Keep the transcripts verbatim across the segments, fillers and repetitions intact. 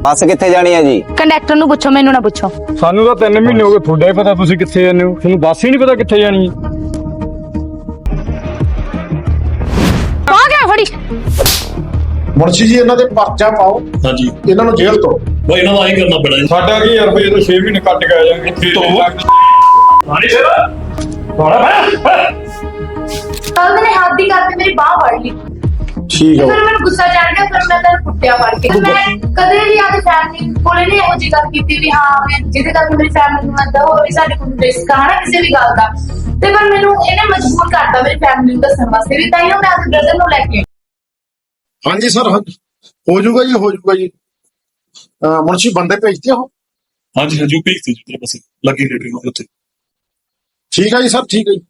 ਬੱਸ ਕਿੱਥੇ ਜਾਣੀ ਹੈ ਜੀ? ਕੰਡਕਟਰ ਨੂੰ ਪੁੱਛੋ, ਮੈਨੂੰ ਨਾ ਪੁੱਛੋ। ਸਾਨੂੰ ਤਾਂ ਤਿੰਨ ਮਹੀਨੇ ਹੋ ਗਏ, ਤੁਹਾਡਾ ਹੀ ਪਤਾ ਤੁਸੀਂ ਕਿੱਥੇ ਜਾਂਦੇ ਹੋ। ਤੁਹਾਨੂੰ ਬੱਸ ਹੀ ਨਹੀਂ ਪਤਾ ਕਿੱਥੇ ਜਾਣੀ ਹੈ। ਆ ਗਿਆ ਫੜੀ। ਮੁਨਸ਼ੀ ਜੀ ਇਹਨਾਂ ਦੇ ਪਰਚਾ ਪਾਓ। ਹਾਂਜੀ ਇਹਨਾਂ ਨੂੰ ਜੇਲ੍ਹ ਤੋਂ ਬਈ ਇਹਨਾਂ ਦਾ ਆਹੀ ਕਰਨਾ ਪੈਣਾ ਜੀ। ਸਾਡਾ ਕੀ ਯਾਰ, ਜਦੋਂ ਛੇ ਮਹੀਨੇ ਕੱਟ ਕੇ ਆ ਜਾਣਗੇ ਮਾਰੀ ਫਿਰ ਬੜਾ ਕੱਲ ਨੇ ਹੱਥ ਦੀ ਕਰਕੇ ਮੇਰੀ ਬਾਹ ਫੜ ਲਈ। ਠੀਕ ਫਿਰ ਹੈ। ਮੈਨੂੰ ਗੁੱਸਾ ਚੜ ਗਿਆ, ਫਿਰ ਮੈਂ ਤੈਨੂੰ ਕੁੱਟਿਆ ਫੜ ਕੇ। ਮੈਂ ਕਦੇ ਵੀ ਆਪਣੀ ਫੈਮਿਲੀ ਕੋਲੇ ਨਹੀਂ ਇਹੋ ਜਿਹੀ ਗੱਲ ਕੀਤੀ ਵੀ ਹਾਂ ਮੈਂ ਜਿਹਦੇ ਕਰਕੇ ਮੇਰੀ ਫੈਮਿਲੀ ਨੂੰ ਏਦਾਂ ਹੋਵੇ, ਸਾਡੇ ਕੋਲ ਰਿਸਕ ਆ ਨਾ ਕਿਸੇ ਵੀ ਗੱਲ ਦਾ। ਤੇ ਪਰ ਮੈਨੂੰ ਇਹਨੇ ਮਜਬੂਰ ਕਰਤਾ ਮੇਰੀ ਫੈਮਿਲੀ ਨੂੰ ਦੱਸਣ ਵਾਸਤੇ ਵੀ, ਤਾਂ ਹੀ ਮੈਂ ਆਪਣੇ ਬ੍ਰਦਰ ਨੂੰ ਲੈ ਕੇ। ਹਾਂਜੀ ਸਰ, ਹਾਂਜੀ ਹੋ ਜਾਊਗਾ ਜੀ, ਹੋ ਜਾਊਗਾ ਜੀ। ਅਹ ਮੁਨਸ਼ੀ ਬੰਦੇ ਭੇਜਦੇ ਹੋ? ਹਾਂਜੀ ਹਾਂਜੀ ਉਹ ਭੇਜਤੀ ਜੀ ਤੇਰੇ ਪਾਸੇ ਲੱਗੀ ਰੇਡੀ ਨੂੰ ਉੱਥੇ। ਠੀਕ ਹੈ ਜੀ ਸਰ, ਠੀਕ ਹੈ ਜੀ।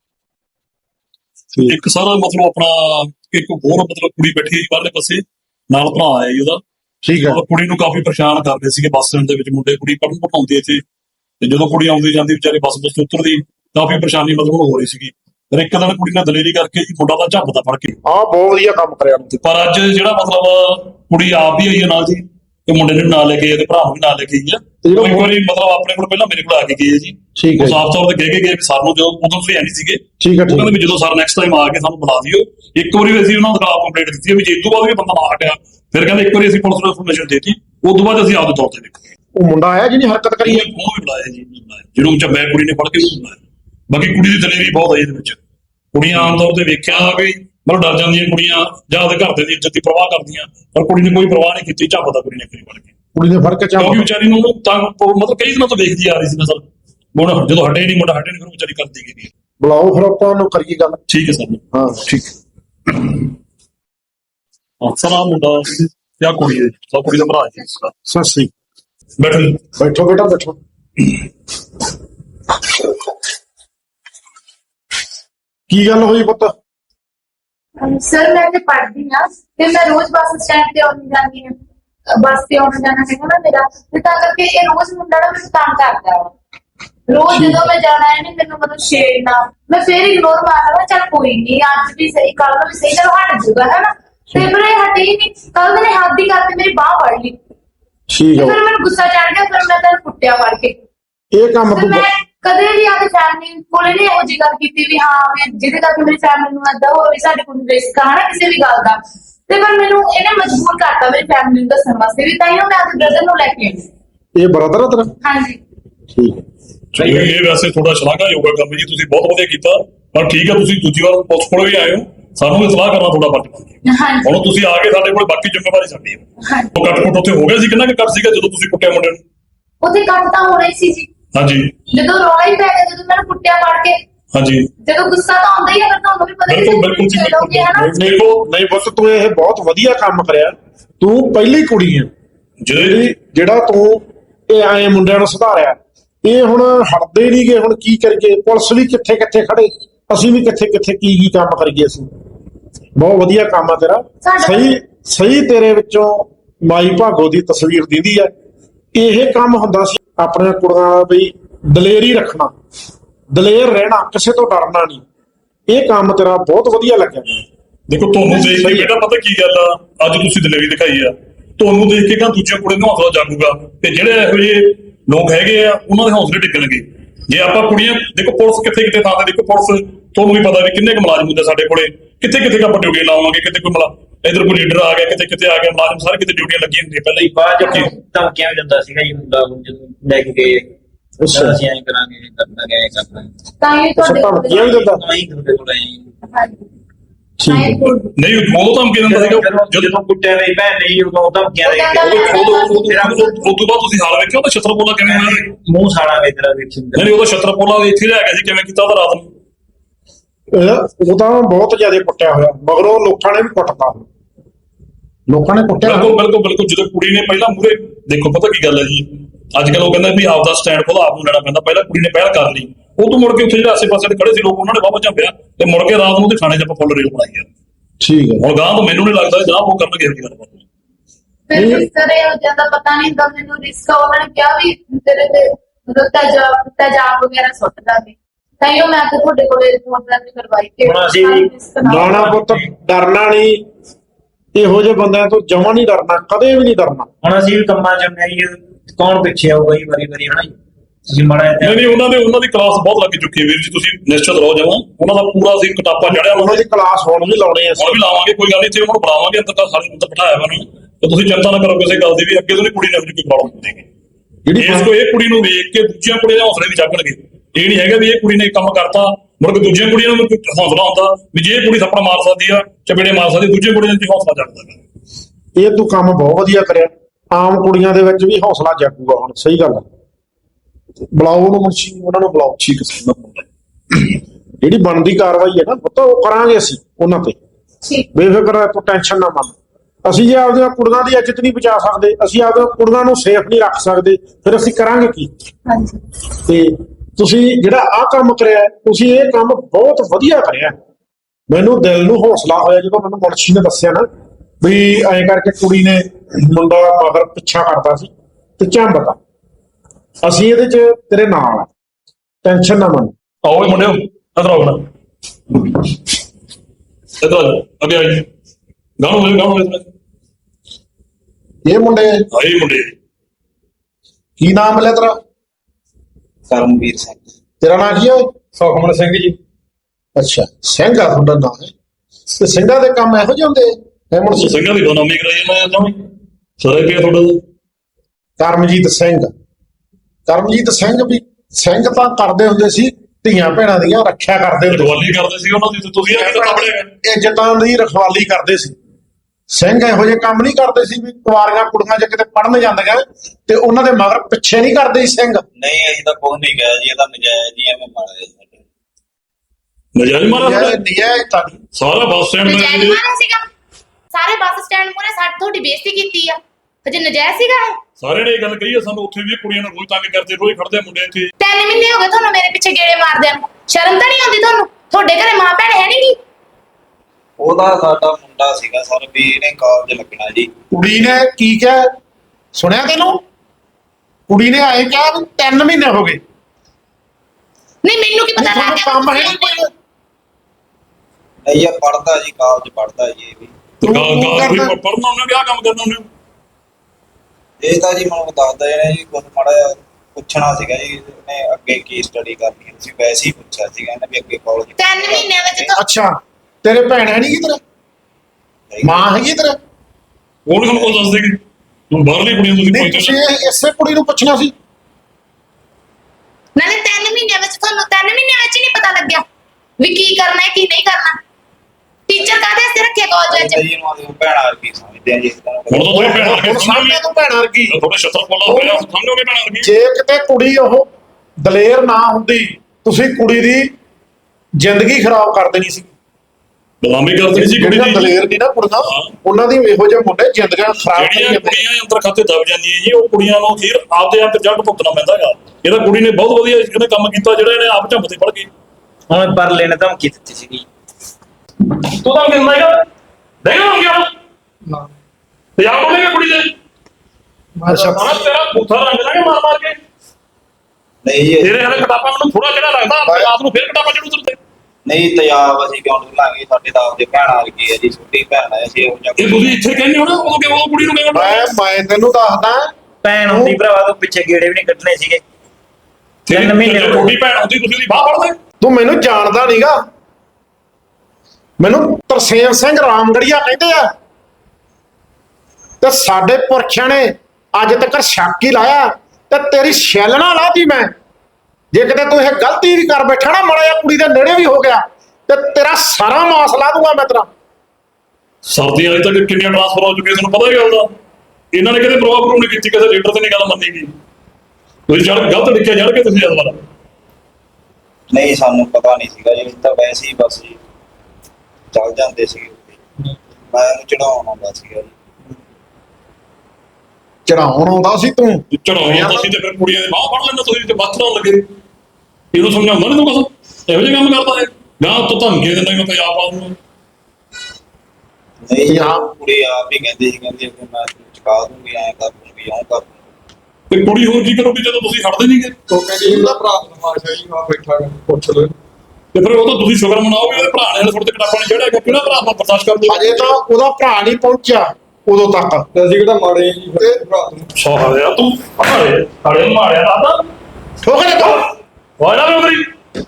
ਇੱਕ ਸਾਰਾ ਮਤਲਬ ਆਪਣਾ ਇੱਕ ਹੋਰ ਮਤਲਬ ਕੁੜੀ ਬੈਠੀ ਹੈ ਜੀ ਬਾਹਰਲੇ ਪਾਸੇ, ਨਾਲ ਭਰਾ ਆਇਆ ਜੀ ਉਹਦਾ। ਠੀਕ ਹੈ। ਉਹ ਕੁੜੀ ਨੂੰ ਕਾਫੀ ਪਰੇਸ਼ਾਨ ਕਰਦੇ ਸੀਗੇ ਬੱਸ ਸਟੈਂਡ ਦੇ ਵਿੱਚ, ਮੁੰਡੇ ਕੁੜੀ ਪੜ੍ਹਨ ਪਠਾਉਂਦੇ ਇੱਥੇ। ਤੇ ਜਦੋਂ ਕੁੜੀ ਆਉਂਦੀ ਜਾਂਦੀ ਵਿਚਾਰੀ ਬੱਸ ਬੱਸ ਉਤਰਦੀ, ਕਾਫੀ ਪਰੇਸ਼ਾਨੀ ਮਤਲਬ ਹੋ ਰਹੀ ਸੀਗੀ। ਫਿਰ ਇੱਕ ਦਿਨ ਕੁੜੀ ਨੇ ਦਲੇਰੀ ਕਰਕੇ ਜੀ ਮੁੰਡਾ ਤਾਂ ਝੱਪਦਾ ਫੜ ਕੇ। ਆਹ ਬਹੁਤ ਵਧੀਆ ਕੰਮ ਕਰਿਆ। ਪਰ ਅੱਜ ਜਿਹੜਾ ਮਤਲਬ ਕੁੜੀ ਆਪ ਵੀ ਆਈ ਹੈ ਨਾਲ ਜੀ, ਤੇ ਮੁੰਡੇ ਨੂੰ ਨਾਲ ਲੈ ਕੇ ਇਹਦੇ ਭਰਾ ਨੂੰ ਵੀ ਨਾਲ ਲੈ ਕੇ ਗਈ ਆ। ਇੱਕ ਵਾਰੀ ਮਤਲਬ ਆਪਣੇ ਕੋਲ ਪਹਿਲਾਂ ਮੇਰੇ ਕੋਲ ਆ ਕੇ ਗਈ ਹੈ ਜੀ। ਠੀਕ ਹੈ। ਉਹ ਸਾਫ਼ ਤੌਰ ਤੇ ਕਹਿ ਕੇ ਗਏ ਸਾਨੂੰ, ਜਦੋਂ ਉਦੋਂ ਤੁਸੀਂ ਨਹੀਂ ਸੀਗੇ। ਠੀਕ ਹੈ। ਉਹ ਕਹਿੰਦੇ ਵੀ ਜਦੋਂ ਸਰ ਨੈਕਸਟ ਟਾਈਮ ਆ ਕੇ ਸਾਨੂੰ ਬੁਲਾ ਦਿਓ। ਇੱਕ ਵਾਰੀ ਵੀ ਅਸੀਂ ਉਹਨਾਂ ਨੂੰ ਖਿਲਾਫ ਕੰਪਲੇਂਟ ਦਿੱਤੀ ਹੈ ਵੀ ਜੇ ਇਸ ਤੋਂ ਬਾਅਦ ਵੀ ਬੰਦਾ ਨਾ ਹਟਿਆ, ਫਿਰ ਕਹਿੰਦੇ ਇੱਕ ਵਾਰੀ ਅਸੀਂ ਪੁਲਿਸ ਨੂੰ ਇਨਫੋਰਮੇਸ਼ਨ ਦੇਤੀ, ਉਸ ਤੋਂ ਬਾਅਦ ਅਸੀਂ ਆਪਦੇ ਤੌਰ ਤੇ ਦੇਖਾਂਗੇ। ਉਹ ਮੁੰਡਾ ਆਇਆ ਜਿਹਨੇ ਹਰਕਤ ਕਰੀ ਹੈ? ਉਹ ਵੀ ਬੁਲਾਇਆ ਜੀ, ਜਿਹਨੂੰ ਚੱਬਿਆ ਕੁੜੀ ਨੇ ਫੜ ਕੇ ਉਹ ਬੁਲਾਇਆ। ਬਾਕੀ ਕੁੜੀ ਦੀ ਦਲੇਰੀ ਬਹੁਤ ਹੈ ਇਹਦੇ ਵਿੱਚ। ਕੁੜੀਆਂ ਆਮ ਤੌਰ ਤੇ ਵੇਖਿਆ ਵੀ ਮਤਲਬ ਡਰ ਜਾਂਦੀਆਂ ਕੁੜੀਆਂ, ਜਾਂ ਉਹਦੇ ਘਰ ਦੇ ਦੀ ਇੱਜ਼ਤ ਦੀ ਪਰਵਾਹ ਕਰਦੀਆਂ, ਪਰ ਕੁੜੀ ਨੇ ਕੋਈ ਪਰਵਾਹ ਨਹੀਂ ਕੀਤੀ, ਝੱਪਦਾ ਕੁੜੀ ਨੇ ਕਰੀ ਫੜ ਕੇ। ਕੁੜੀ ਨੇ ਫੜ ਕੇ ਚਾਹ ਕਿਉਂਕਿ ਵਿਚਾਰੀ ਨੂੰ ਤਾਂ ਮਤਲਬ ਕਈ ਦਿਨਾਂ ਤੋਂ ਵੇਖਦੀ ਆ ਰਹੀ ਸੀ ਨਸਲ। ਹੁਣ ਜਦੋਂ ਹਟੇ ਨਹੀਂ, ਮੁੰਡਾ ਹਟੇ ਨਹੀਂ, ਫਿਰ ਵਿਚਾਰੀ ਕਰਦੀ ਗਈ। ਬੁਲਾਓ ਫਿਰ ਆਪਾਂ ਉਹਨੂੰ ਕਰੀਏ ਗੱਲ। ਠੀਕ ਹੈ ਸਰ। ਹਾਂ ਠੀਕ। ਸਰਾ ਮੁੰਡਾ ਜਾਂ ਕੁੜੀ ਹੈ, ਸਭ ਕੁੜੀ ਦਾ ਭਰਾ ਹੈ। ਸਤਿ ਸ੍ਰੀ ਬੈਠੋ ਜੀ। ਬੈਠੋ ਬੇਟਾ ਬੈਠੋ। ਕੀ ਗੱਲ ਹੋਈ ਪੁੱਤ? ਸਰ ਮੈਂ ਤੇ ਪੜ੍ਹਦੀ ਹਾਂ ਤੇ ਮੈਂ ਰੋਜ਼ ਬੱਸ ਸਟੈਂਡ ਤੇ ਆਉਣੀ ਜਾਂਦੀ ਹਾਂ, ਬੱਸ ਤੇ ਆਉਣਾ ਜਾਣਾ ਹੈਗਾ ਨਾ ਮੇਰਾ, ਤੇ ਤਾਂ ਕਰਕੇ ਇਹ ਰੋਜ਼ ਮੁੰਡਾ ਨਾ ਮੈਨੂੰ ਤੰਗ ਕਰਦਾ ਵਾ। ਰੋਜ਼ ਜਦੋਂ ਮੈਂ ਜਾਣਾ ਹੈ, ਮੈਨੂੰ ਮਤਲਬ ਛੇੜਨਾ, ਮੈਂ ਫੇਰ ਇਗਨੋਰ ਮਾਰਨਾ, ਚੱਲ ਕੋਈ ਨਹੀਂ ਅੱਜ ਵੀ ਸਹੀ, ਕੱਲ ਨੂੰ ਵੀ ਸਹੀ, ਚਲ ਹਟ ਜੂਗਾ ਹਨਾ। ਤੇ ਫਿਰ ਇਹ ਹਟੇ ਹੀ ਨਹੀਂ। ਕੱਲ ਨੇ ਹੱਥ ਦੀ ਕਰਕੇ ਮੇਰੀ ਬਾਹ ਫੜ ਲਈ। ਠੀਕ ਹੈ। ਫਿਰ ਮੈਨੂੰ ਗੁੱਸਾ ਚੜ ਗਿਆ, ਫਿਰ ਮੈਂ ਤੈਨੂੰ ਕੁੱਟਿਆ ਫੜ ਕੇ। ਇਹ ਕੰਮ ਤੇ ਤੂੰ ਮੈਂ ਕਦੇ ਵੀ ਆਪਣੀ ਫੈਮਿਲੀ ਕੋਲੇ ਨਹੀਂ ਇਹੋ ਜਿਹੀ ਗੱਲ ਕੀਤੀ ਵੀ ਹਾਂ ਮੈਂ ਜਿਹਦੇ ਕਰਕੇ ਮੇਰੀ ਫੈਮਿਲੀ ਨੂੰ ਏਦਾਂ ਹੋਵੇ, ਸਾਡੇ ਕੋਲ ਰਿਸਕ ਆ ਨਾ ਕਿਸੇ ਵੀ ਗੱਲ ਦਾ। ਤੇ ਪਰ ਮੈਨੂੰ ਇਹਨੇ ਮਜਬੂਰ ਕਰਤਾ ਮੇਰੀ ਫੈਮਿਲੀ ਨੂੰ ਦੱਸਣ ਵਾਸਤੇ ਵੀ, ਤਾਂ ਹੀ ਮੈਂ ਆਪਣੇ ਬ੍ਰਦਰ ਨੂੰ ਲੈ ਕੇ ਆਈ। ਇਹ ਬ੍ਰਦਰ ਆ ਤੇਰਾ? ਹਾਂਜੀ ਠੀਕ ਹੈ। ਇਹ ਵੈਸੇ ਥੋੜਾ ਸ਼ਲਾਘਾਯੋਗ ਕੰਮ ਜੀ, ਤੁਸੀਂ ਬਹੁਤ ਵਧੀਆ ਕੀਤਾ। ਪਰ ਠੀਕ ਹੈ, ਤੁਸੀਂ ਦੂਜੀ ਵਾਰ ਪੁਲਿਸ ਕੋਲ ਵੀ ਆਏ ਹੋ, ਸਾਨੂੰ ਵੀ ਸਲਾਹ ਕਰਨਾ ਥੋੜਾ ਫਰਜ਼ ਪੈਂਦਾ। ਹਾਂਜੀ ਹੁਣ ਤੁਸੀਂ ਆ ਕੇ ਸਾਡੇ ਕੋਲ, ਬਾਕੀ ਜ਼ਿੰਮੇਵਾਰੀ ਸਾਡੀ ਹੈ। ਹਾਂਜੀ। ਉਹ ਕੱਟ ਕੁੱਟ ਉੱਥੇ ਹੋ ਗਿਆ ਸੀ, ਕਿੰਨਾ ਕੁ ਕੱਟ ਸੀਗਾ ਜਦੋਂ ਤੁਸੀਂ ਕੁੱਟਿਆ ਮੁੰਡੇ ਨੂੰ? ਉੱਥੇ ਕੱਟ ਤਾਂ ਹੋਣਾ ਹੀ ਸੀ ਜੀ। ਹਾਂਜੀ ਜਦੋਂ ਰੌਲਾ ਹੀ ਪੈ ਗਿਆ, ਜਦੋਂ ਮੈਨੂੰ ਕੁੱਟਿਆ ਫੜ ਕੇ, ਹਾਂਜੀ ਜਦੋਂ ਗੁੱਸਾ ਤਾਂ ਆਉਂਦਾ ਹੀ ਹੈ, ਫਿਰ ਤੁਹਾਨੂੰ ਵੀ ਪਤਾ ਹੀ ਬਿਲਕੁਲ ਬਿਲਕੁਲ ਜੀ, ਛੇੜੋਗੇ ਹਨਾ। ਦੇਖੋ ਨਹੀਂ ਪੁੱਤ, ਤੂੰ ਇਹ ਬਹੁਤ ਵਧੀਆ ਕੰਮ ਕਰਿਆ। ਤੂੰ ਪਹਿਲੀ ਕੁੜੀ ਹੈ ਜਿਹੜੇ ਜਿਹੜਾ ਤੂੰ ਇਹ ਆਏ ਮੁੰਡਿਆਂ ਨੂੰ ਸੁਧਾਰਿਆ। ਇਹ ਹੁਣ ਹਟਦੇ ਨਹੀਂ ਗਏ, ਹੁਣ ਕੀ ਕਰੀਏ? ਪੁਲਿਸ ਵੀ ਕਿੱਥੇ ਕਿੱਥੇ ਖੜੇ, ਅਸੀਂ ਵੀ ਕਿੱਥੇ ਕਿੱਥੇ ਕੀ ਕੀ ਕੰਮ ਕਰੀਏ। ਅਸੀਂ ਬਹੁਤ ਵਧੀਆ ਕੰਮ ਆ ਤੇਰਾ। ਸਹੀ ਸਹੀ ਤੇਰੇ ਵਿੱਚੋਂ ਮਾਈ ਭਾਗੋ ਦੀ ਤਸਵੀਰ ਦਿੰਦੀ ਹੈ। ਇਹ ਕੰਮ ਹੁੰਦਾ ਸੀ ਆਪਣੇ ਕੁੜੀਆਂ ਦਾ ਵੀ ਦਲੇਰੀ ਰੱਖਣਾ, ਦਲੇਰ ਰਹਿਣਾ, ਕਿਸੇ ਤੋਂ ਡਰਨਾ ਨਹੀਂ। ਇਹ ਕੰਮ ਤੇਰਾ ਬਹੁਤ ਵਧੀਆ ਲੱਗਿਆ। ਦੇਖੋ ਤੁਹਾਨੂੰ ਦੇਖ ਕੇ ਬੇਟਾ ਪਤਾ ਕੀ ਗੱਲ ਆ, ਅੱਜ ਤੁਸੀਂ ਦਲੇਰੀ ਦਿਖਾਈ ਆ, ਤੁਹਾਨੂੰ ਦੇਖ ਕੇ ਕਹਾਂ ਦੂਜੇ ਕੁੜੇ ਨੂੰ ਹੌਸਲਾ ਜਾਗੂਗਾ। ਤੇ ਜਿਹੜੇ ਇਹੋ ਜਿਹੇ ਲੋਕ ਹੈਗੇ ਆ, ਉਹਨਾਂ ਦੇ ਹੌਸਲੇ ਟਿਕਣਗੇ। ਜੇ ਆਪਾਂ ਕੁੜੀਆਂ ਦੇਖੋ, ਪੁਲਿਸ ਕਿੱਥੇ ਕਿੱਥੇ ਥਾਂ ਤੇ ਦੇਖੋ, ਪੁਲਿਸ ਤੁਹਾਨੂੰ ਵੀ ਪਤਾ ਵੀ ਕਿੰਨੇ ਕੁ ਮੁਲਾਜ਼ਮ ਹੁੰਦੇ ਸਾਡੇ ਕੋਲੇ, ਕਿੱਥੇ ਕਿੱਥੇ ਆਪਾਂ ਡਿਊਟੀ ਲਾਵਾਂਗੇ। ਕਿਤੇ ਕੋਈ ਮਲਾ ਇਧਰ ਕੋਈ ਲੀਡਰ ਆ ਗਿਆ, ਕਿਤੇ ਕਿਤੇ ਆ ਗਿਆ ਮੁਲਾਜ਼ਮ, ਸਾਰੇ ਕਿਤੇ ਡਿਊਟੀਆਂ ਲੱਗੀਆਂ ਹੁੰਦੀਆਂ ਪਹਿਲਾਂ ਹੀ। ਬਾਅਦ ਚ ਧਮਕੀਆਂ ਵੀ ਦਿੰਦਾ ਸੀਗਾ ਜੀ ਮੁੰਡਾ, ਜਦੋਂ ਲੈ ਕੇ ਗਏ ਅਸੀਂ ਐਂ ਕਰਾਂਗੇ, ਐਂ ਕਰਨਾ, ਐਂ ਕਰਨਾ। ਤਾਂ ਹੀ ਤੁਹਾਡੇ ਕੋਲ ਧਮਕੀਆਂ ਵੀ ਦਿੰਦਾ? ਤਾਂ ਹੀ ਤੁਹਾਡੇ ਕੋਲ ਆਏ ਜੀ। ਹਾਂਜੀ ਠੀਕ ਹੈ। ਨਹੀਂ ਉਹ ਧਮਕੀ ਦਿੰਦਾ ਸੀਗਾ ਜਦੋਂ ਜਦੋਂ ਕੁੱਟਿਆ ਮੇਰੀ ਭੈਣ ਨਹੀਂ, ਉਦੋਂ ਧਮਕੀਆਂ ਦੇ ਕੇ ਉਸ ਤੋਂ ਬਾਅਦ ਤੁਸੀਂ ਹਾਲ ਵੇਖਿਆ ਉਹਦਾ ਛਤਰਪੋਲਾ ਕਿਵੇਂ ਹੋਇਆ? ਮੂੰਹ ਸਾੜਾ ਵੇਖਦਾ ਵੇਖੀ। ਨਹੀਂ ਉਹਦਾ ਛਤਰਪੋਲਾ ਇੱਥੇ ਲਿਆ ਗਿਆ ਸੀ, ਕਿਵੇਂ ਕੀਤਾ ਉਹਦਾ ਰਾਤ ਨੂੰ? ਇਹ ਉਹ ਤਾਂ ਬਹੁਤ ਜ਼ਿਆਦਾ ਕੁੱਟਿਆ ਹੋਇਆ, ਮਗਰੋਂ ਲੋਕਾਂ ਨੇ ਵੀ ਕੁੱਟਤਾ, ਲੋਕਾਂ ਨੇ ਕੁੱਟਿਆ। ਬਿਲਕੁਲ ਬਿਲਕੁਲ ਬਿਲਕੁਲ। ਜਦੋਂ ਕੁੜੀ ਨੇ ਪਹਿਲਾਂ ਮੂਹਰੇ ਦੇਖੋ, ਪਤਾ ਕੀ ਗੱਲ ਹੈ ਜੀ, ਅੱਜ ਕੱਲ ਉਹ ਕਹਿੰਦਾ ਵੀ ਆਪਦਾ ਸਟੈਂਡ ਖੁਦ ਆਪ ਨੂੰ ਲੈਣਾ ਪੈਂਦਾ। ਪਹਿਲਾਂ ਕੁੜੀ ਨੇ ਪਹਿਲ ਕਰ ਲਈ, ਉਹ ਤੋਂ ਮੁੜ ਕੇ ਉੱਥੇ ਜਿਹੜੇ ਆਸੇ ਪਾਸੇ ਦੇ ਖੜੇ ਸੀ ਲੋਕ, ਉਹਨਾਂ ਨੇ ਵਾਹਵਾ ਝੰਪਿਆ, ਤੇ ਮੁੜ ਕੇ ਰਾਤ ਨੂੰ ਉਹਦੇ ਥਾਣੇ 'ਚ ਆਪਾਂ ਫੁੱਲ ਰੇਲ ਬਣਾਈ ਆ। ਠੀਕ ਹੈ। ਹੁਣ ਗਾਂ ਤੋਂ ਮੈਨੂੰ ਨਹੀਂ ਲੱਗਦਾ ਜਾਂ ਉਹ ਕਰਨਗੇ ਇਹ ਗੱਲਬਾਤ। ਫਿਰ ਇਸ ਤਰ੍ਹਾਂ ਹੋ ਜਾਂਦਾ, ਪਤਾ ਨਹੀਂ ਹੁੰਦਾ ਮੈਨੂੰ ਰਿਸਕ। ਉਹਨਾਂ ਨੇ ਕਿਹਾ ਵੀ ਤੇਰੇ ਤੇ ਤੇਜ਼ਾਬ ਤੇਜ਼ਾਬ ਵਗੈਰਾ ਸੁੱਟ ਦਾਂਗੇ, ਤਾਂ ਹੀ ਮੈਂ ਤੇ ਤੁਹਾਡੇ ਕੋਲੇ ਰਿਪੋਰਟ ਦਰਜ ਕਰਵਾਈ ਕਿ ਹੁਣ ਅਸੀਂ ਵੀ ਦਾਣਾ ਪੁੱਤ ਡਰਨਾ ਨਹੀਂ। ਇਹੋ ਜਿਹੇ ਬੰਦਿਆਂ ਤੋਂ ਜਮਾਂ ਨਹੀਂ ਡਰਨਾ, ਕਦੇ ਵੀ ਨਹੀਂ ਡਰਨਾ। ਹੁਣ ਅਸੀਂ ਵੀ ਕੰਮਾਂ ਚ ਹੁੰਦੇ ਆ ਜੀ, ਕੌਣ ਪਿੱਛੇ ਆਊਗਾ ਜੀ ਵਾਰੀ ਵਾਰੀ ਹਨਾ ਜੀ। ਤੁਸੀਂ ਮਾੜਾ ਜਿਹਾ ਨਹੀਂ ਨਹੀਂ ਉਹਨਾਂ ਦੇ ਉਹਨਾਂ ਦੀ ਕਲਾਸ ਬਹੁਤ ਲੱਗ ਚੁੱਕੀ ਹੈ ਵੀਰ ਜੀ, ਤੁਸੀਂ ਨਿਸ਼ਚਿਤ ਰਹੋ ਜਮਾਂ। ਉਹਨਾਂ ਦਾ ਪੂਰਾ ਅਸੀਂ ਕਿਤਾਬਾਂ ਚੜਿਆ ਉਹਨਾਂ ਦੀ ਕਲਾਸ ਹੁਣ ਵੀ ਲਾਉਣੀ ਹੈ ਹੁਣ ਵੀ ਲਾਵਾਂਗੇ, ਕੋਈ ਗੱਲ ਨਹੀਂ। ਇੱਥੇ ਉਹਨੂੰ ਬੁਲਾਵਾਂਗੇ ਅੰਦਰ ਤਾਂ ਸਾਰੇ ਅੰਦਰ ਬਿਠਾਇਆ ਵਾ ਨੂੰ, ਤੇ ਤੁਸੀਂ ਚਿੰਤਾ ਨਾ ਕਰੋ ਕਿਸੇ ਗੱਲ ਦੀ ਵੀ, ਅੱਗੇ ਤੋਂ ਕੁੜੀ ਨਾਲ ਕੋਈ ਪ੍ਰੋਬਲਮ ਹੋਵੇਗੀ। ਜਿਹੜੀ ਇਸ ਕੋ ਇਹ ਕੁੜੀ ਨੂੰ ਵੇਖ ਕੇ ਦੂਜੀਆਂ ਕੁੜੀਆਂ ਦੇ ਹੌਸਲੇ ਵੀ ਜਾਗਣਗੇ। ਇਹ ਨਹੀਂ ਹੈਗਾ ਵੀ ਇਹ ਕੁੜੀ ਨੇ ਕੰਮ ਕਰਤਾ ਮੁੜ ਕੇ ਦੂਜੀਆਂ ਕੁੜੀਆਂ ਨੂੰ ਹੌਸਲਾ ਹੁੰਦਾ ਵੀ ਜੇ ਇਹ ਕੁੜੀ ਥੱਪੜ ਮਾਰ ਸਕਦੀ ਆ, ਚਪੇੜੇ ਮਾਰ ਸਕਦੀ, ਦੂਜੀਆਂ ਕੁੜੀਆਂ ਨੂੰ ਹੌਸਲਾ ਜਾਗਦਾ। ਇਹ ਤੂੰ ਕੰਮ ਬਹੁਤ ਵਧੀਆ ਕਰਿਆ। ਆਮ ਕੁੜੀਆਂ ਦੇ ਵਿੱਚ ਵੀ ਹੌਸਲਾ ਜਾਗੂਗਾ ਹੁਣ। ਸਹੀ ਗੱਲ ਹੈ। ਬੁਲਾਓ ਉਹਨੂੰ ਮੁਨਸ਼ੀ, ਉਹਨਾਂ ਨੂੰ ਬੁਲਾਓ। ਠੀਕ ਹੈ, ਜਿਹੜੀ ਬਣਦੀ ਕਾਰਵਾਈ ਹੈ ਨਾ ਪੁੱਤ ਉਹ ਕਰਾਂਗੇ ਅਸੀਂ ਉਹਨਾਂ ਤੇ। ਠੀਕ ਬੇਫਿਕਰ ਤੂੰ ਟੈਨਸ਼ਨ ਨਾ ਮੰਨ। ਅਸੀਂ ਜੇ ਆਪਦੀਆਂ ਕੁੜੀਆਂ ਦੀ ਇੱਜ਼ਤ ਨਹੀਂ ਬਚਾ ਸਕਦੇ, ਅਸੀਂ ਆਪਦੀਆਂ ਕੁੜੀਆਂ ਨੂੰ ਸੇਫ ਨਹੀਂ ਰੱਖ ਸਕਦੇ, ਫਿਰ ਅਸੀਂ ਕਰਾਂਗੇ ਕੀ? ਹਾਂਜੀ ਤੇ ਤੁਸੀਂ ਜਿਹੜਾ ਆਹ ਕੰਮ ਕਰਿਆ, ਤੁਸੀਂ ਇਹ ਕੰਮ ਬਹੁਤ ਵਧੀਆ ਕਰਿਆ। ਮੈਨੂੰ ਦਿਲ ਨੂੰ ਹੌਸਲਾ ਹੋਇਆ ਜਦੋਂ ਮੈਨੂੰ ਮੁਨਸ਼ੀ ਨੇ ਦੱਸਿਆ ਨਾ ਵੀ ਐਂ ਕਰਕੇ ਕੁੜੀ ਨੇ ਮੁੰਡਾ ਮਗਰ ਪਿੱਛਾ ਕਰਦਾ ਸੀ ਤੇ ਝੰਬਦਾ। ਅਸੀਂ ਇਹਦੇ ਚ ਤੇਰੇ ਨਾਲ ਆ, ਟੈਨਸ਼ਨ ਨਾ ਮੰਨ। ਆਓ ਇਹ ਮੁੰਡਿਓ ਇੱਧਰ ਆਓ ਨਾ, ਇੱਧਰ ਆ ਜਾਓ, ਅੱਗੇ ਆ ਜੀ। ਗਾਣੋ ਹੋਏ ਗਾਣੋ ਹੋਏ ਇਹ ਮੁੰਡੇ ਆਏ ਮੁੰਡੇ। ਕੀ ਨਾਮ ਮਿਲਿਆ ਤੇਰਾ? ਕਰਮਵੀਰ ਸਿੰਘ। ਤੇਰਾ ਨਾਂ ਕੀ ਹੈ? ਸੁਖਮਨ ਸਿੰਘ ਜੀ। ਅੱਛਾ, ਸਿੰਘ ਆ ਤੁਹਾਡਾ ਨਾਮ ਹੈ। ਤੇ ਸਿੰਘਾਂ ਦੇ ਕੰਮ ਇਹੋ ਜਿਹੇ ਹੁੰਦੇ ਹੈ ਮੁਨਸ਼ੀ? ਸਿੰਘਾਂ ਦੀ ਬਦਨਾਮੀ ਕਰਾਈ ਮੈਂ ਤਾਂ ਸਾਰਾ ਕੀ ਤੁਹਾਡਾ ਕਰਮਜੀਤ ਸਿੰਘ। ਕਰਮਜੀਤ ਸਿੰਘ ਵੀ ਸਿੰਘ ਤਾਂ ਕਰਦੇ ਹੁੰਦੇ ਸੀ ਧੀਆਂ ਭੈਣਾਂ ਦੀਆਂ ਰੱਖਿਆ ਕਰਦੇ ਹੁੰਦੇ ਰਖਵਾਲੀ ਕਰਦੇ ਸੀ ਉਹਨਾਂ ਦੀ, ਤੇ ਤੁਸੀਂ ਆ ਕੇ ਤਾਂ ਪੜਿਆ ਇੱਜ਼ਤਾਂ ਦੀ ਰਖਵਾਲੀ ਕਰਦੇ ਸੀ। ਸਿੰਘ ਇਹੋ ਜਿਹੇ ਕੰਮ ਨਹੀਂ ਕਰਦੇ ਸੀ ਵੀ ਕੁਆਰੀਆਂ ਕੁੜੀਆਂ ਜੇ ਕਿਤੇ ਪੜਨ ਜਾਂਦੀਆਂ ਤੇ ਉਹਨਾਂ ਦੇ ਮਗਰ ਪਿੱਛੇ ਨਹੀਂ ਕਰਦੇ ਸੀ ਸਿੰਘ। ਨਹੀਂ ਅਸੀਂ ਤਾਂ ਕੁਝ ਨਹੀਂ ਕਿਹਾ ਜੀ, ਇਹ ਤਾਂ ਨਜਾਇਜ਼ ਜੀ ਐਵੇਂ ਮਾਰੇ ਸਾਡੇ। ਨਜਾਇਜ਼ ਮਾਰਾ ਇਹ ਤੁਹਾਡਾ? ਨਜਾਇਜ਼ ਤਾਂ ਨਹੀਂ। ਸਾਰਾ ਬੱਸ ਸਟੈਂਡ ਨਜਾਇਜ਼ ਦੇ ਮਾਰਿਆ ਸੀਗਾ। ਸਾਰੇ ਬੱਸ ਸਟੈਂਡ ਮੂਹਰੇ ਸਾਡੇ ਤੁਹਾਡੀ ਬੇਇੱਜ਼ਤੀ ਕੀਤੀ ਆ, ਅਜੇ ਨਜਾਇਜ਼ ਸੀਗਾ ਇਹ? ਸਾਰਿਆਂ ਨੇ ਇਹ ਗੱਲ ਕਹੀ ਆ ਸਾਨੂੰ, ਉੱਥੇ ਵੀ ਕੁੜੀਆਂ ਨੂੰ ਰੋਜ਼ ਤੰਗ ਕਰਦੇ, ਰੋਜ਼ ਖੜਦੇ ਮੁੰਡੇ ਇੱਥੇ। ਤਿੰਨ ਮਹੀਨੇ ਹੋ ਗਏ ਤੁਹਾਨੂੰ ਮੇਰੇ ਪਿੱਛੇ ਗੇੜੇ ਮਾਰਦਿਆਂ ਨੂੰ, ਸ਼ਰਮ ਤਾਂ ਨਹੀਂ ਆਉਂਦੀ ਤੁਹਾਨੂੰ? ਤੁਹਾਡੇ ਘਰੇ ਮਾਂ ਭੈਣ ਹੈ ਨੀ ਗੀ? ਉਹਦਾ ਸਾਡਾ ਮੁੰਡਾ ਸੀਗਾ ਸਰ, ਵੀ ਇਹਨੇ ਕਾਲਜ ਲੱਗਣਾ ਜੀ। ਕੁੜੀ ਨੇ ਕੀ ਕਿਹਾ ਸੁਣਿਆ ਤੈਨੂੰ? ਕੁੜੀ ਨੇ ਆਏ ਕਿਹਾ ਵੀ ਤਿੰਨ ਮਹੀਨੇ ਹੋ ਗਏ। ਨਹੀਂ ਮੈਨੂੰ ਕੀ ਪਤਾ ਲੱਗ ਗਿਆ? ਕੰਮ ਹੈ ਨਹੀਂ ਕੋਈ। ਨਹੀਂ ਇਹ ਪੜਦਾ ਜੀ, ਕਾਲਜ ਪੜਦਾ ਜੀ ਇਹ ਵੀ। ਤੇ ਤੂੰ- ਗਾ ਤੂੰ ਗਾ ਕਰਦਾ- ਕੋਈ ਪੜਨਾ ਉਹਨੇ ਕਿਆ ਕੰਮ ਕਰਨਾ ਉਹਨੇ? ਇਹ ਤਾਂ ਜੀ ਮੈਨੂੰ ਦੱਸਦਾ ਇਹਨੇ ਜੀ ਕੁਝ ਮਾੜਾ ਜਿਹਾ ਪੁੱਛਣਾ ਸੀਗਾ ਜੀ, ਇਹਨੇ ਅੱਗੇ ਕੀ ਸਟੱਡੀ ਕਰਨੀ ਹੈ। ਤੁਸੀਂ ਵੈਸੇ ਹੀ ਪੁੱਛਿਆ ਸੀਗਾ ਇਹਨੇ ਵੀ ਅੱਗੇ ਕਾਲਜ। ਤਿੰਨ ਮਹੀਨਿਆਂ ਵਿੱਚ ਤਾਂ ਅੱਛਾ, ਤੇਰੇ ਭੈਣ ਹੈ ਨਹੀਂ ਕੀ ਤੇਰੇ? ਮਾਂ ਹੈਗੀ ਤੇਰੇ? ਉਹ ਨੀ ਤੁਹਾਨੂੰ ਕੁਝ ਦੱਸ ਦੇਗੀ। ਤੂੰ ਬਾਹਰਲੀ ਕੁੜੀਆਂ ਤੁਸੀਂ ਨਹੀਂ, ਪੁੱਛਦੇ ਤੁਸੀਂ ਇਹ ਇਸੇ ਕੁੜੀ ਨੂੰ ਪੁੱਛਣਾ ਸੀ। ਨਾਲੇ ਤਿੰਨ ਮਹੀਨਿਆਂ ਵਿੱਚ ਤੁਹਾਨੂੰ ਤਿੰਨ ਮਹੀਨਿਆਂ ਵਿੱਚ ਹੀ ਨਹੀਂ ਪਤਾ ਲੱਗਿਆ ਵੀ ਕੀ ਕਰਨਾ ਹੈ ਕੀ ਨਹੀਂ ਕਰਨਾ? ਟੀਚਰ ਕਾਹਦੇ ਵਾਸਤੇ ਰੱਖਿਆ ਕਾਲਜ ਵਿੱਚ? ਜੀ ਨੂੰ ਆਦੀ ਭੈਣ ਆ ਕੀ ਸਮਝਦੇ ਆ ਜੀ ਇਸ ਤਰ੍ਹਾਂ। ਹੁਣ ਤਾਂ ਤੁਸੀਂ ਭੈਣ ਵਰਗੇ ਹੁਣ ਸਾਹਮਣੇ ਤੂੰ ਭੈਣ ਵਰਗੀ। ਤੁਹਾਡੇ ਛੱਤਰ ਕੋਲਾ ਹੋ ਗਿਆ, ਸਮਝੋਗੇ ਭੈਣ ਵਰਗੀ। ਜੇ ਕਿਤੇ ਕੁੜੀ ਉਹ ਦਲੇਰ ਨਾ ਹੁੰਦੀ, ਤੁਸੀਂ ਕੁੜੀ ਦੀ ਜ਼ਿੰਦਗੀ ਖਰਾਬ ਕਰ ਦੇਣੀ ਸੀ। ਬਦਨਾਮੀ ਕਰਦੇ ਸੀ ਕੁੜੀ ਜਿਹੜੀਆਂ ਦੀ। ਦਲੇਰ ਨਹੀਂ ਨਾ ਕੁੜੀਆਂ, ਹਾਂ। ਉਹਨਾਂ ਦੀ ਇਹੋ ਜਿਹੇ ਮੁੰਡੇ ਜ਼ਿੰਦਗੀਆਂ ਖਰਾਬ ਕਰੀ ਜਿਹੜੀਆਂ ਜਾਂਦੇ। ਕੁੜੀਆਂ ਅੰਦਰ ਖਾਤੇ ਦਬ ਜਾਂਦੀਆਂ ਜੀ, ਉਹ ਕੁੜੀਆਂ ਨੂੰ ਫਿਰ ਆਪਦੇ ਆਪ ਜੱਟ ਭੁਗਤਣਾ ਪੈਂਦਾ ਹੈਗਾ। ਇਹਦਾ ਕੁੜੀ ਨੇ ਬਹੁਤ ਵਧੀਆ ਇਹਨੇ ਕੰਮ ਕੀਤਾ, ਜਿਹੜਾ ਇਹਨੇ ਆਪ ਝੰਬ ਤੇ ਫੜ ਗਈ। ਹੁਣ ਪਰਲੇ ਨੇ ਧਮਕੀ ਦਿੱਤੀ ਸੀਗੀ। ਤੂੰ ਤਾਂ ਕਿੰਨਾ ਹੈਗਾ ਦੇਗਾ ਹੋ ਗਿਆ ਨਾ ਤੇ ਆਪ ਬੋਲੇਗਾ ਕੁੜੀ ਦੇ। ਅੱਛਾ, ਸਾਰਾ ਤੇਰਾ ਬੁੱਥਾ ਰੰਗ ਲਾਂਗੇ ਮਾਰ ਮਾਰ ਕੇ। ਨਹੀਂ ਜੀ ਤੇਰੇ ਹਲੇ ਕਿਤਾਬਾਂ ਮੈਨੂੰ ਥੋੜਾ ਜਿਹੜਾ ਲੱਗਦਾ, ਆਪਣੇ ਆਪ ਨੂੰ ਫਿਰ ਕਿਤਾਬਾਂ ਚੜੂ ਤੁਰਦੇ। ਨਹੀਂ ਤੇਜ਼ਾਬ ਅਸੀਂ ਕਿਉਂ ਡੁੱਲਾਂਗੇ, ਸਾਡੇ ਤਾਂ ਆਪਦੇ ਭੈਣ ਆ ਗਈ ਹੈ ਜੀ, ਛੋਟੀ ਭੈਣ ਹੈ ਅਸੀਂ ਇਹੋ ਜਿਹਾ ਇਹ ਤੁਸੀਂ ਇੱਥੇ ਕਹਿੰਦੇ ਹੋ ਨਾ, ਉਦੋਂ ਕਿ ਉਹ ਕੁੜੀ ਨੂੰ ਕਹਿੰਦੇ ਮੈਂ ਮੈਂ ਤੈਨੂੰ ਦੱਸਦਾ, ਭੈਣ ਹੁੰਦੀ ਭਰਾਵਾ ਤੋਂ ਪਿੱਛੇ ਗੇੜੇ ਵੀ ਨਹੀਂ ਕੱਢਣੇ ਸੀਗੇ। ਤਿੰਨ ਮਹੀਨੇ ਹੋ ਗਏ। ਛੋਟੀ ਭੈਣ ਹੁੰਦੀ ਤੁਸੀਂ ਦੀ ਬਾਹ ਫੜਦੇ। ਤੂੰ ਮੈਨੂੰ ਜਾਣਦਾ ਨਹੀਂਗਾ। ਮੈਨੂੰ ਤਰਸੇਮ ਸਿੰਘ ਰਾਮਗੜੀਆ ਕਹਿੰਦੇ ਆ ਤੇ ਸਾਡੇ ਪੁਰਖਿਆਂ ਨੇ ਅੱਜ ਤੱਕ ਸ਼ੱਕ ਹੀ ਲਾਇਆ ਤੇ ਤੇਰੀ ਛੈਲ ਨਾ ਲਾਤੀ ਮੈਂ। ਜੇ ਕਿਤੇ ਤੂੰ ਇਹ ਗਲਤੀ ਵੀ ਕਰ ਬੈਠਾ ਨਾ, ਮਾੜਾ ਜਿਹਾ ਕੁੜੀ ਦੇ ਨੇੜੇ ਵੀ ਹੋ ਗਿਆ ਤੇ ਤੇਰਾ ਸਾਰਾ ਮਾਸ ਲਾ ਦੂੰਗਾ ਮੈਂ ਤੇਰਾ। ਸਰਦੀਆਂ ਅਜੇ ਤੱਕ ਕਿੰਨੀਆਂ ਟ੍ਰਾਂਸਫਰ ਹੋ ਚੁੱਕੀਆਂ ਤੁਹਾਨੂੰ ਪਤਾ ਹੀ ਗੱਲ ਦਾ। ਇਹਨਾਂ ਨੇ ਕਿਤੇ ਪ੍ਰੋਵਾਹ ਪ੍ਰੂਵ ਨਹੀਂ ਕੀਤੀ, ਕਿਸੇ ਲੀਡਰ ਤੇ ਨਹੀਂ ਗੱਲ ਮੰਨੀ ਗਈ। ਤੁਸੀਂ ਜੜ ਗਲਤ ਲਿਖਿਆ ਜੜ ਕੇ ਤੁਸੀਂ ਅਦਵਾਰਾ। ਨਹੀਂ ਸਾਨੂੰ ਪਤਾ ਨਹੀਂ ਸੀਗਾ ਜੀ, ਅਸੀਂ ਤਾਂ ਵੈਸੇ ਹੀ ਬਸ ਜੀ ਚੱਲ ਜਾਂਦੇ ਸੀਗੇ। ਮੈਂ ਉਹਨੂੰ ਚੜਾਉਣ ਆਉਂਦਾ ਸੀਗਾ ਜੀ। ਚੜਾਉਣ ਆਉਂਦਾ ਸੀ ਤੂੰ? ਚੜਾਉਂਦਾ ਤੁਸੀਂ ਤੇ ਫਿਰ ਕੁੜੀਆਂ ਦੇ ਬਾਹ ਫੜ ਲੈਂਦਾ ਤੁਸੀਂ ਤੇ ਬੱਸ ਚੜਾਉਣ ਲੱਗੇ। ਇਹਨੂੰ ਸਮਝਾਉਂਦਾ ਨਹੀਂ ਤੂੰ ਕੁਛ ਇਹੋ ਜਿਹੇ ਕੰਮ ਕਰਦਾ ਹੈ। ਗਾਂ ਤੋਂ ਧਮਕੀ ਦਿੰਦਾ ਮੈਂ ਤੇ ਆਪ ਆਉਂਗਾ। ਨਹੀਂ ਆਪ ਕੁੜੀ ਆਪ ਹੀ ਕਹਿੰਦੀ ਸੀ, ਕਹਿੰਦੀ ਕਿ ਮੈਂ ਤੈਨੂੰ ਚੁਕਾ ਦੂੰਗੀ, ਐਂ ਕਰ ਦੂੰਗੀ, ਆਉਂ ਕਰ ਦੂੰਗੀ। ਤੇ ਕੁੜੀ ਹੋਰ ਕੀ ਕਰੂਗੀ ਜਦੋਂ ਤੁਸੀਂ ਹਟਦੇ ਨਹੀਂਗੇ? ਤੋ ਕਹਿੰਦੀ ਇਹਦਾ ਭਰਾ ਤਮਾਸ਼ਾ ਹੀ ਆ ਬੈਠਾ ਗਾ, ਪੁੱਛ ਲਓ। ਤੇ ਫਿਰ ਉਹ ਤਾਂ ਤੁਸੀਂ ਸ਼ੁਕਰ ਮਨਾਓ ਵੀ ਉਹਦੇ ਭਰਾ ਨੇ ਤੁਹਾਡੇ ਤੇ ਕਟਾਪਾ ਨਹੀਂ ਚੜਿਆ, ਕਿਹੜਾ ਭਰਾ ਆਪਾਂ ਬਰਦਾਸ਼ਤ ਕਰਦੇ ਅਜੇ ਤਾਂ ਉਹਦਾ ਭਰਾ ਨਹੀਂ ਪਹੁੰਚਿਆ ਉਦੋਂ ਤੱਕ। ਅਸੀਂ ਕਿਹੜਾ ਮਾੜੇ ਜੀ ਭਰਾ ਨੂੰ। ਸਾਲਿਆ ਤੂੰ ਹਾਲੇ ਹਾਲੇ ਮਾਰਿਆ ਦਾਦਾ ਠੋਕ ਦੇ ਤੂੰ। ਵਾਲਾ ਮੇਰੀ